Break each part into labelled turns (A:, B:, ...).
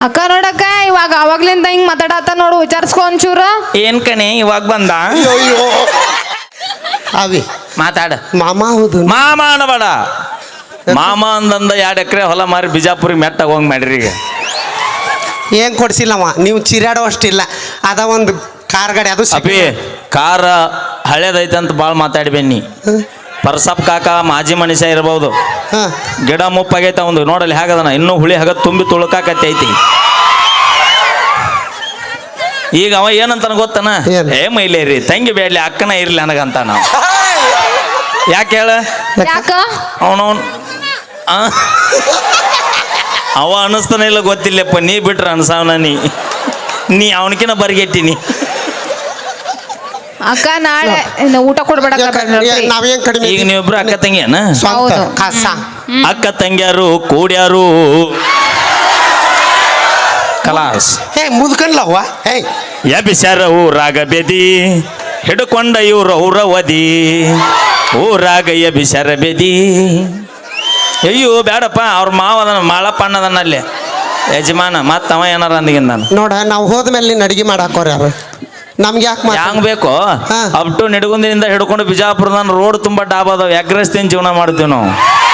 A: ಅಕ್ಕ ನೋಡಕ್ಕ ಇವಾಗ ಅವಾಗ್ಲಿಂದ ಹಿಂಗ್ ಮಾತಾಡತ್ತ ನೋಡು ವಿಚಾರಿಸ್ಕೊ ಒಂಚೂರು.
B: ಏನ್ ಕಣೆ ಇವಾಗ ಬಂದ
C: ಅವಿ
B: ಮಾತಾಡ.
C: ಮಾಮ ಹೌದು
B: ಮಾಮ ಅನ್ನಬೇಡ. ಮಾಮ ಅಂದಂದ 2 ಎಕರೆ ಹೊಲ ಮಾರಿ ಬಿಜಾಪುರಿಗೆ ಮೆಟ್ಟಾಗ ಹೋಗಿ ಮಾಡ್ರಿ. ಈಗ
C: ಏನ್ ಕೊಡ್ಸಿಲ್ಲಮ್ಮ ನೀವು ಚಿರಾಡೋ ಅಷ್ಟಿಲ್ಲ. ಅದ ಒಂದು ಕಾರ್ ಗಾಡಿ ಅದು
B: ಅಪಿ ಕಾರ ಹಳೇದೈತೆ ಅಂತ ಭಾಳ ಮಾತಾಡಿ ಬನ್ನಿ. ಪರ್ಸಪ್ ಕಾಕ ಮಾಜಿ ಮನುಷ್ಯ ಇರಬಹುದು. ಗಿಡ ಮುಪ್ಪಾಗೈತ ಒಂದು ನೋಡಲ್ಲಿ ಹೇಗದನ ಇನ್ನೂ ಹುಳಿ ಹಾಗ ತುಂಬಿ ತುಳುಕಾಕತ್ತೈತಿ. ಈಗ ಅವ ಏನಂತಾನ ಗೊತ್ತನ, ಏ ಮೈಲೇರಿ ತಂಗಿ ಬೇಡ್ಲಿ ಅಕ್ಕನ ಇರ್ಲಿ ನನಗಂತ. ನಾವು ಯಾಕೆ ಹೇಳ, ಅವನವನ್ ಅವ ಅನ್ನಿಸ್ತಾನ ಇಲ್ಲ ಗೊತ್ತಿಲ್ಲಪ್ಪ. ನೀ ಬಿಟ್ರ ಅನ್ಸಾವನ ನೀ ಅವನಕಿನ ಬರ್ಗೆಟ್ಟಿನಿ.
A: ಅಕ್ಕ ನಾಳೆ ಊಟ ಕೊಡ್ಬೇಡ.
C: ನಾವೇನ್ ಕಡಿಮೆ.
B: ಈಗ ನೀವಿಬ್ರು ಅಕ್ಕ ತಂಗಿಯನ? ಅಕ್ಕ ತಂಗಿಯಾರು ಕೂಡ್ಯಾರು ಕಲಾಸ್.
C: ಮುದ್ಕನ್ಲವ್ವ
B: ಎಬಿಸ್ಯಾರ ಊರಾಗ ಬೆದಿ ಹಿಡ್ಕೊಂಡ ಇವ್ರು ಔರವದಿ ಊರಾಗ ಎಬಿಸ್ಯಾರ ಬೆದಿ. ಅಯ್ಯೋ ಬೇಡಪ್ಪ, ಅವ್ರ ಮಾವದನ ಮಾಳಪ್ಪ ಅಣ್ಣದನ್ನ ಅಲ್ಲಿ ಯಜಮಾನ. ಮತ್ತ ಅವ ಏನಾರ ಅಂದಿಗಿಂದ ನಾನು
C: ನೋಡ ನಾವು ಹೋದ್ಮೇಲೆ ನೀನು ಅಡಿಗೆ ಮಾಡಾಕೋರ ಯಾರು ನಮ್ಗೆ ಯಾಕೆ
B: ಹ್ಯಾಂಗ್ ಬೇಕೋ ಅಪ್ ಟು ನಿಡಗುಂದಿನಿಂದ ಹಿಡ್ಕೊಂಡು ಬಿಜಾಪುರದ ರೋಡ್ ತುಂಬಾ ಡಾಬ್ ಅದಾವ. ಎಗ್ರೆಸ್ತೀನಿ ಜೀವನ ಮಾಡ್ತೀವಿ ನಾವು.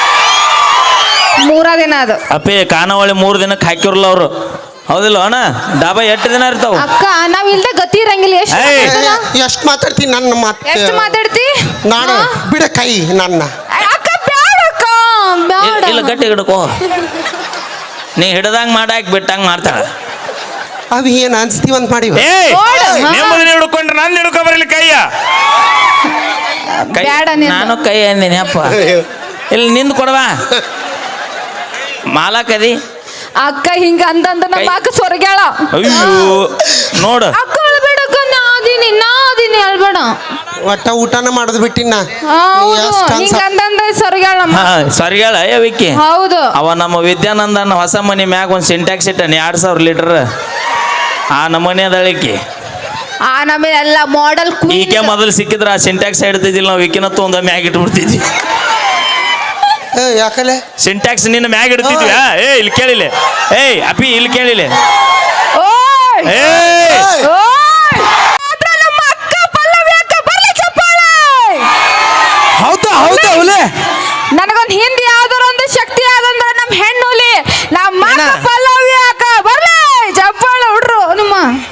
A: 3 ದಿನ ಅದು
B: ಅಪ್ಪೇ ಖಾನಾವಳಿ 3 ದಿನಕ್ಕೆ ಹಾಕಿರಲ್ಲ ಅವರು. ಹೌದಿಲ್ಲ ಅಣ್ಣ? ಡಾಬಾ 8 ದಿನ ಇರ್ತಾವ.
A: ಅಕ್ಕ ನಾವ್ ಇಲ್ದೆ ಗತಿ ಇರಂಗಿಲ್ಲ.
C: ಎಷ್ಟು ಮಾತಾಡ್ತೀನಿ ನನ್ನ ಮಾತು.
A: ಎಷ್ಟು ಮಾತಾಡ್ತಿ
C: ನಾನು ಬಿಡ ಕೈ ನನ್ನ.
A: ಅಕ್ಕ ಬ್ಯಾಡ ಅಕ್ಕ ಬ್ಯಾಡ.
B: ಇಲ್ಲ ಗಟ್ಟಿ ಹಿಡ್ಕೋ. ನೀ ಹಿಡ್ದಂಗ್ ಮಾಡಾಕ್ ಬಿಟ್ಟಂಗ್ ಮಾಡ್ತಾಳ.
C: ಅವಿ ಏನ್ ಅನ್ಸ್ತೀವಂತ ಮಾಡಿ
B: ನೆಮ್ಮದಿನ ಹಿಡ್ಕೊಂಡ್ರೆ ನಾನು ಹಿಡ್ಕೊ ಬರಲಿ ಕೈಯ. ನಾನು ಕೈ ಅಂದಿನಿ ಅಪ್ಪ. ಇಲ್ಲಿ ನಿಂದು ಕೊಡವಾ ಮಾಲಾಕದಿ.
A: ಅಕ್ಕ ಹಿಂಗ ಅಂದಂದ ನಮ್ಮ ಅಕ್ಕ ಸ್ವರ್ಗ್ಯಾಳ.
B: ಅಯ್ಯೋ ನೋಡ
A: ಅಕ್ಕ ಅಳ್ಬೇಡಕ್ಕ. ನಾದಿನಿ ಅಳ್ಬೇಡ.
C: ಒಟ್ಟ ಊಟನ ಮಾಡೋದು ಬಿಟ್ಟಿನ.
A: ಹಿಂಗ ಅಂದಂದ ಸ್ವರ್ಗ್ಯಾಳ.
B: ಸ್ವರ್ಗ್ಯಾಳ ವಿಕ್ಕಿ.
A: ಹೌದು.
B: ಅವ ನಮ್ಮ ವಿದ್ಯಾನಂದನ ಹೊಸ ಮನೆ ಮ್ಯಾಗ ಒಂದು ಸಿಂಟ್ಯಾಕ್ಸ್ ಇಟ್ಟಾನೆ 2000 ಲೀಟರ್. ಆ ನಮೂನೆ ಅದಳಿಕೆ
A: ಆ ನಮಗೆ ಎಲ್ಲ ಮಾಡೆಲ್.
B: ಈಕೆ ಮೊದಲು ಸಿಕ್ಕಿದ್ರ ಆ ಸಿಂಟ್ಯಾಕ್ಸ್ ಇಡ್ತಿದ್ದಿಲ್ಲ ನಾವು. ವಿಕಿನತ್ತು ಒಂದ ಮ್ಯಾಗ ಇಟ್ಬಿಡ್ತಿದ್ವಿ.
C: ಯಾಕಲೆ
B: ಸಿಂಟ್ಯಾಕ್ಸ್ ನಿನ್ನ ಮ್ಯಾಗ ಇಡ್ತಿದ್ವಿ. ಇಲ್ಲಿ ಕೇಳಿಲ್ಲ. ಅಪ್ಪಿ ಇಲ್ಲಿ ಕೇಳಿಲ್ಲ.
C: ಹೌದಾ ಹೌದಾ ಹುಲಿ.
A: ನನಗೊಂದು ಹಿಂದಿ ಯಾವ್ದಾರ ಒಂದು ಶಕ್ತಿ ಆದಂದ್ರ ನಮ್ಮ ಹೆಣ್ಣುಲಿ ನಮ್ಮ ಪಲ್ಲವಿ ಅಕ್ಕ ಬರ್ಲಿ ಚಪ್ಪಾಳ ಹುಡ್ರು ನಿಮ್ಮ.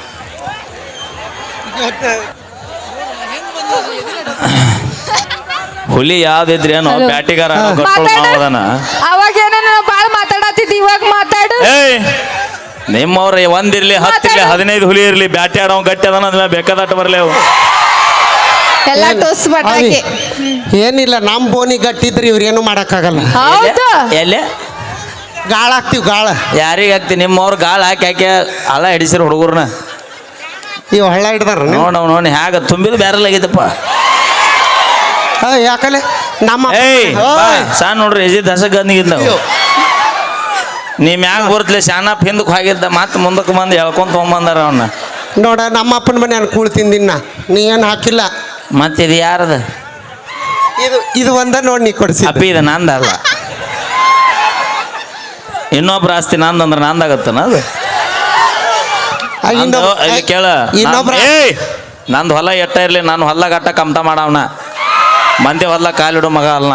B: ಹುಲಿ ಯಾವ್ದಿದ್ರಿ ಏನೋ ಬ್ಯಾಟಿಗಾರ ಮಾವದನ.
A: ಅವಾಗ ಏನೋ ಬಾಳ ಮಾತಾಡತ್ತಿದ್ದಿ, ಇವಾಗ ಮಾತಾಡು.
B: ನಿಮ್ಮವ್ರ 1 ಇರ್ಲಿ 10 ಇರ್ಲಿ 15 ಹುಲಿ ಇರ್ಲಿ ಬ್ಯಾಟಿ ಆಡೋ ಗಟ್ಟಿ ಅದನ್ನ ಅದ್ಮೇಲೆ ಬೇಕಾದಟ್ಟು ಬರ್ಲಿ ಅವು
A: ಎಲ್ಲ ಟೋಸ್ ಬಟಾಕಿ.
C: ಏನಿಲ್ಲ ನಮ್ ಬೋನಿ ಗಟ್ಟಿದ್ರಿ ಇವ್ರೇನು ಮಾಡಕ್ಕಾಗಲ್ಲ.
A: ಹೌದು.
B: ಎಲ್ಲೇ
C: ಗಾಳ ಹಾಕ್ತಿವಿ ಗಾಳ.
B: ಯಾರಿಗೆ ಹಾಕ್ತಿ? ನಿಮ್ಮವ್ರು ಗಾಳ ಹಾಕಿ ಹಳ ಹಿಡಿಸಿರ ಹುಡುಗರ್ನ.
C: ಇವ್ ಹಳ್ಳ ಹಿಡ್ದಾರ
B: ನೋಡಿ ಹ್ಯಾಗ ತುಂಬಿದ್ ಬ್ಯಾರಲ್ ಆಗೈತಪ್ಪ.
C: ಯಾಕಲೆ ನಮ್ಮ
B: ಸಣ್ಣ ನೋಡ್ರಿ ಎಜಿದ್ ಹಸಗಂದಿಗಿಂದ ನೀ ಮ್ಯಾಗ ಬರ್ತಲೆ ಶಾನಪ್ ಹಿಂದಕ್ಕೆ ಹೋಗಿದ್ದ ಮತ್ತೆ ಮುಂದಕ್ಕೆ ಬಂದು ಹೇಳ್ಕೊಂತ ತೊಗೊಂಬಂದಾರ ಅವನ್ನ.
C: ನೋಡ ನಮ್ಮ ಅಪ್ಪನ ಮನೆ ನಾನು ಕೂಳ್ ತಿಂದಿನ. ನೀ ಏನು ಹಾಕಿಲ್ಲ.
B: ಮತ್ತೆ ಇದು ಯಾರದ?
C: ಇದು ಒಂದ ನೋಡಿ ನೀ ಕೊಡ್ಸಿ.
B: ಅಪ್ಪಿ ಇದು ನಂದಲ್ಲ, ಇನ್ನೊಬ್ರ ಆಸ್ತಿ ನಂದಂದ್ರೆ ನಂದಾಗತ್ತನ ಅದು. ಕೇಳ ನಂದು ಹೊಲ ಎಟ್ಟ ಇರ್ಲಿ ನಾನು ಹೊಲ ಗಟ್ಟ ಕಮ್ತ ಮಾಡವನ. ಮಂದಿ ಹೊಲ ಕಾಲಿಡು ಮಗ ಅಲ್ಲ.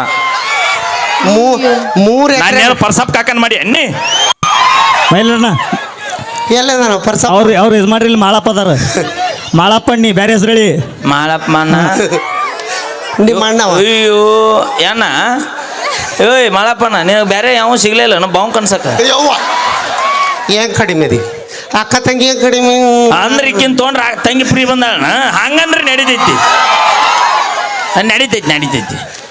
C: 3
B: ನಾನು ಪರ್ಸಪ್ ಕಾಕನ್ ಮಾಡಿ ಎಣ್ಣಿ
D: ಮೈಲಣ್ಣ
C: ಎಲ್ಲ ಪರ್ಸ
D: ಅವ್ರು ಇದು ಮಾಡ್ರಿ. ಇಲ್ಲಿ ಮಾಳಪ್ಪ ಅದಾರ. ಮಾಳಪ್ಪ ನೀ ಬೇರೆ ಹೆಸರು ಹೇಳಿ.
B: ಮಾಳಪ್ಪ ಅಣ್ಣ
C: ನಿಮ್ಮ ಅಣ್ಣ.
B: ಅಯ್ಯೋ ಏನ ಏಯ್ ಮಾಳಪ್ಪಣ್ಣ ನಿನಗೆ ಬೇರೆ ಯಾವ ಸಿಗ್ಲಿಲ್ಲ ನಮ್ಮ ಬಾವು ಕನ್ಸಕ.
C: ಏನ್ ಕಡಿಮೆ ಅದಿ ಅಕ್ಕ ತಂಗಿ ಏನ್ ಕಡಿಮೆ
B: ಅಂದ್ರೆ ಈಕಿನ್ ತೊಗೊಂಡ್ರೆ ತಂಗಿ ಫ್ರೀ ಬಂದಾಳ ಹಂಗಂದ್ರೆ ನಡಿತೈತಿ.